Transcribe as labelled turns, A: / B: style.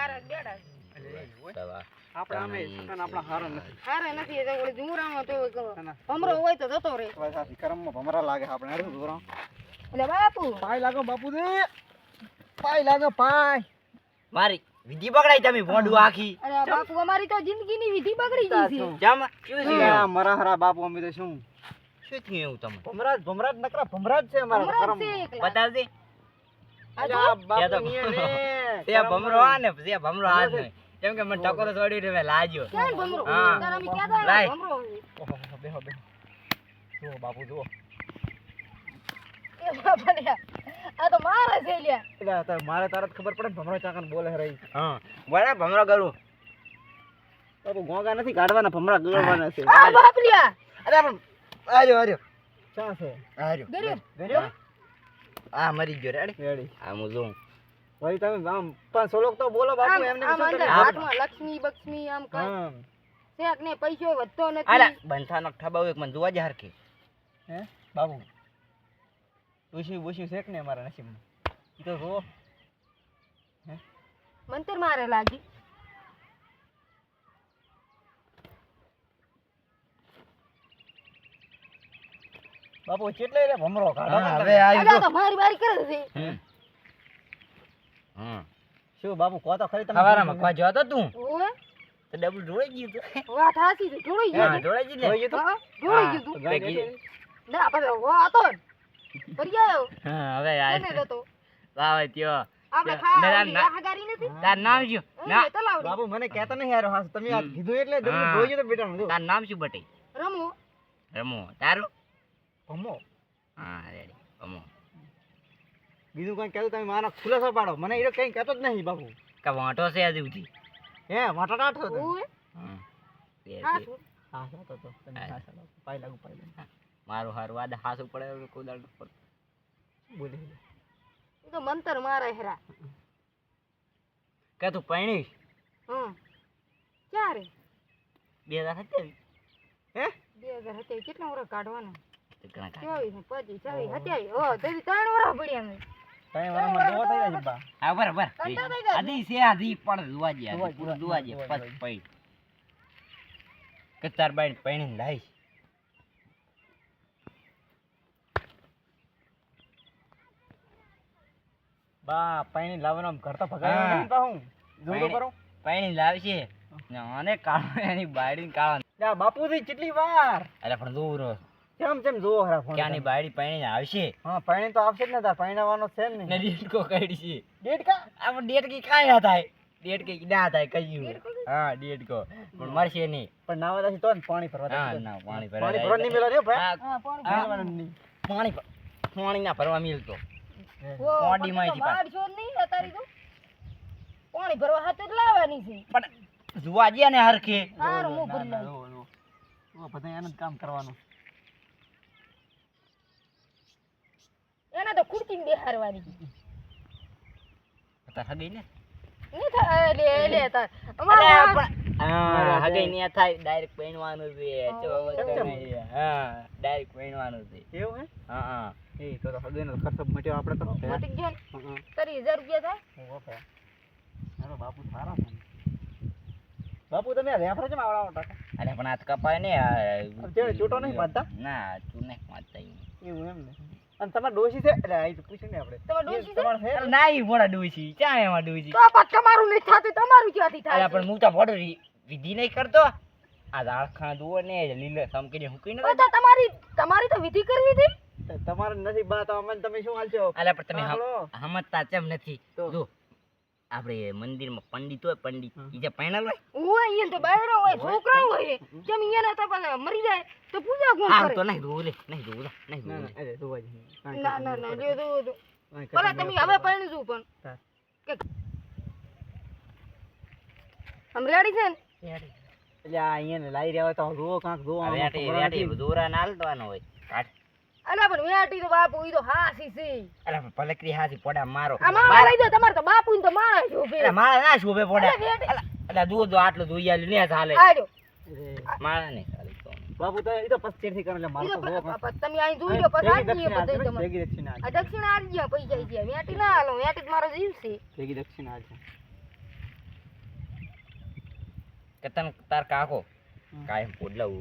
A: હારા બેડા
B: આપણે આમે સકન આપણા હારા નથી.
A: હારા નથી એ તો ઓલી જુમરામાં તો ભમરો હોય તો જતો રે.
B: સાથી કરમમાં ભમરા લાગે આપણે હારું દોરા.
A: એટલે બાપુ
B: પાય લાગો બાપુજી. પાય લાગો પાય.
C: મારી વિધિ બગડાઈ તમે ભોંડું આખી.
A: અરે બાપુ અમારી તો જિંદગીની વિધિ બગડી ગઈ છે.
C: જામ શું છે
B: આ મરા હરા બાપુ અમે તો શું
C: શું થયું એવું તમને
B: ભમરાજ નકરા ભમરાજ છે અમારા
A: ભમરા
B: કરમ.
A: છે એકલા.
C: બતાવજે
A: આ જો.
B: આ બાપુ
C: તો
B: નિયે ને
C: તે ભમરો આ ને તે ભમરો આ જ નહીં કેમ કે મને ટકોરો છોડી રે મે લાજ્યો
A: ક્યાં ભમરો?
C: હા.
A: તારા અમે ક્યાં જાય
C: લાય.
A: ભમરો?
B: ઓહો બેહો જુઓ બાપુ જુઓ.
A: એ બાપા લે. આ તો મારે છે લ્યા.
B: એટલે તાર મારે તારત ખબર પડે ને ભમરો ચાકન બોલે રહી.
C: હા બોલે ભમરો કરું
B: બાપુ ગોગા નથી કાઢવાના ભમરા ગળવાના છે.
A: આ બાપ લ્યા.
C: અરે પણ આર્યો
B: ક્યાં છે?
C: આર્યો
A: ગર્યો.
B: ગર્યો?
C: આ મરી ગયો રેડી
B: રેડી.
C: આ હું જોઉં
B: ભાઈ તમે આમ 500 લોક તો બોલો બાપુ
A: આમ
B: એમને
A: આમ
B: શું
A: અંદર
B: તમે?
A: હાથમાં લક્ષ્મી બક્ષ્મી આમ કઈ
B: હા.
A: શેક ને પૈસો વધતો
C: આલા
A: નથી.
C: બંથાનો ઠબાવ એક મને જોવા જ હરખી
B: હે બાબુ બુશી શેક ને અમારા નસીબમાં. ઈ તો જો
A: મંતર મારે લાગી.
B: બાપુ કેટલે રે ભમરો કાઢો
C: હા,
B: ને
C: હવે
B: તમે.
C: આવી
A: અલા તો મારી બારી કરે છે.
C: હમ
B: શું બાપુ કહો તો ખરી તમે
C: ખવારામાં કોઈ જોતો તું
A: ઓએ
C: તો ડબલ ઢોળાઈ ગયું તું
A: વાત હાસી છે. જોડી
C: હા
A: ગયો.
C: ઢોળાઈ ગયું
B: જોઈ
C: ને
B: ગયું તું?
A: હા, જોડી
C: હા.
A: ગયું તું.
B: ગાય
C: ભેગી.
B: બેઠી.
A: ના આપણે વો હતો ને. ફરી આવ્યો.
C: હા હવે
A: એને
C: આ
A: જતો.
C: વાવે ત્યો
A: આપણે
C: ના,
A: ખા
C: ના,
A: ઓલી
C: ના.
A: રાહગારી નથી.
C: તાર નામ શું ના
A: એ તલાવડી.
B: બાપુ મને કહેતા નહીં યાર હા તમે આ
C: હમ.
B: કીધું એટલે તમે
C: હા.
B: જોઈ તો બેટા જો
C: તાર નામ શું બટે
A: રમો.
C: રમો તારું
B: ભમો
C: હા રેડી રમો
B: બીજું કઈ કહેતું તમે મારા ખુલાસો પાડો મને એ કઈ કહેતો જ નહીં બાપુ
C: કા વાંટો છે હજુ સુધી
B: હે વાટાટા છો તમે
A: ઓએ
C: હા બે,
A: હા
C: બે.
A: શું?
B: હા સાતો તો તમે
C: હા.
B: હા સાતો પાઈ લાગુ
C: મારું હારું વાદ હાસું પડે એવું કોઈ દાડો પર
B: બોલે
A: એ તો મંતર મારે હેરા.
C: કે તું પૈણીશ
A: હમ. ક્યારે?
C: 2027
B: હે
A: 2027 કેટલા વર્ષ કાઢવાના?
C: તો ઘણા કાઢ.
A: 24, 25, 26, 27. ઓ તેથી 3 વર્ષ પડ્યા અમે.
B: કઈ વારમાં દોવા થઈ જાય બા
C: હા બરાબર
A: કંટાળો થઈ જાય.
C: આધી છે આધી પણ જોવા જે
B: જોવા
C: પૂરું
B: જ,
C: જોવા જે
B: જોવા જ.
C: પછી પૈ કે તાર બાઈ પૈણીને લાઈશ
B: બા પાણી લાવવાનો આમ ઘર તો
C: હા.
B: ભગાયો નહીં પાહું જોતો
C: પાણી.
B: કરો
C: પૈણી લાવશે અને કાળો એની બાયડી કાળો
B: લ્યા બાપુજી કેટલી વાર
C: અરે પણ દૂર
B: કેમ જોવો હરા ફોન
C: ક્યાંની બાયડી પૈણીને આવશે
B: હા પાણી તો આવશે જ ને તાર પાણીવાનો છે જ
C: ને
B: ને
C: ડેટકો કાઢી છે
B: ડેટ કા
C: આમાં ડેટ કી કાંઈ ના થાય ડેટ કી ના થાય કયું હા ડેટકો પણ મળશે નહીં
B: પણ નાવા દાસી તો ને પાણી ભરવા
C: હા
B: દાસી
C: ના પાણી
B: પાણી ભરવા નહીં મેલો રે ભાઈ
C: હા,
A: હા, પાણી
C: હા.
B: મેલવાનું નહીં.
C: પાણી પાણી ના ભરવા મિલતો
A: ઓ,
C: કોડીમાંથી
A: તો બાર છો નહીં અતારી તો. પાણી ભરવા હાથે જ લાવવાની છે.
C: પણ જોવા જઈએ ને હરખે
A: હારું, હું
B: ના,
A: ભરી
B: ના,
A: લઉં.
B: ઓ બધા એનું જ કામ કરવાનું
A: એને તો ખુરચીને બેહારવાની.
C: તાર હગઈ ને
A: નહીં થાય, લે તાર.
C: અરે
A: અમારે આ-
C: પણ હા હગઈ ને થાય ડાયરેક્ટ પૈણવાનું છે
B: કેમ?
C: હા ડાયરેક્ટ પૈણવાનું છે
B: એવું હે
C: હા હા
B: એ તો હૃદયનો ખર્ચો મટ્યો આપણે તો
A: મટી ગયો ને.
B: હં,
A: 30,000 રૂપિયા થાય.
B: ઓ ભાઈ મારો બાપુ સારા છે બાપુ તમે રેફર કેમ આવડાવો ટાકા
C: અરે પણ આ તો કપાય ને
B: અત્યારે ચૂંટો નહીં બાંધતા?
C: ના તું નહીં બાંધતા
B: એવું એમ ને અને તમારે ડોશી છે એટલે આ તો પૂછ્યું ને આપણે
A: તમારે ડોશી છે?
B: તમારે છે
C: અરે નાઈ ભોળા ડૂસી ક્યાં એમાં ડૂસી
A: તો આ પાછું તમારું નહીં થતું, તમારું ક્યાંથી થાય
C: અરે
A: છે?
C: પણ હું તો ભોળો વિધિ નહીં કરતો આ દાળખા દુઓ ને લીલે સમકીને હુકીને
A: હવે તો તમારી તો વિધિ કરવી હતી.
B: તમારે નથી બા તો અમને તમે શું હાલશો
C: અરે પણ તમે
B: સાંભળો.
C: સમજતા કેમ નથી
B: તો?
C: જો આપણે મંદિરમાં પંડિત હોય પંડિત
B: હમ.
C: ઈ જે પૈણલ હોય
A: ઓય અહીંયા તો બાયરો હોય, છોકરા હોય. જેમ અહીંયા તો પાછા મરી જાય તો પૂજા કોણ
C: હા
A: કરે?
C: તો નહીં જોવું લે નહીં જોવું નહીં
B: ના
C: જોવું
B: ના અરે જોવા જ નહીં.
A: ના ના ના લ્યો તો
B: કાંઈ
A: ભલે
B: કરતા
A: તમે
B: નહીં.
A: હવે પરણીશું પણ
B: હા.
A: કે આમ રેડી છે ને?
B: એટલે આ અહીંયા ને લાઈ રહ્યા હોય તો જુઓ કાંક જુઓ આમાં
C: વેટી
B: ખબર
C: વેટી
B: નથી.
C: દોરા ના હાલવાનો હોય કાઢ
A: અલા પણ વેટી તો બાપુ ઈ તો હાસી છે.
C: અરે પણ પલકરી હાથી પોડા મારો
A: આ મારા લઈ દો, તમારે તો બાપુ ને તો મારા શોભે.
C: અરે મારા ના શોભે પોડા
A: અલા વેટી.
C: અરે દૂધ જો આટલું જોઈ આલ્યું ને ચાલે
A: આડો.
B: અરે,
C: મારા નહીં ચાલે તો
B: બાપુ તો એ તો પસ્તીરથી કરે એટલે મારે
A: ઈ
B: તો
A: તો
B: જુઓ કાંક.
A: તમે અહીં જોઈ લો પછી
B: ભેગી
A: આજીએ
B: દક્ષિણા
A: બધે
B: હાલશે,
A: તમારે.
B: ભેગી દક્ષિણા
A: આ
B: હાલશે.
A: દક્ષિણ આજી પૈસા છે. વેટી ના હાલો, વેટી તો મારો જીવ છે.
B: ભેગી દક્ષિણા હાલશે.
C: કે તને તાર કાકો
B: હમ.
C: કાયમ પોડલા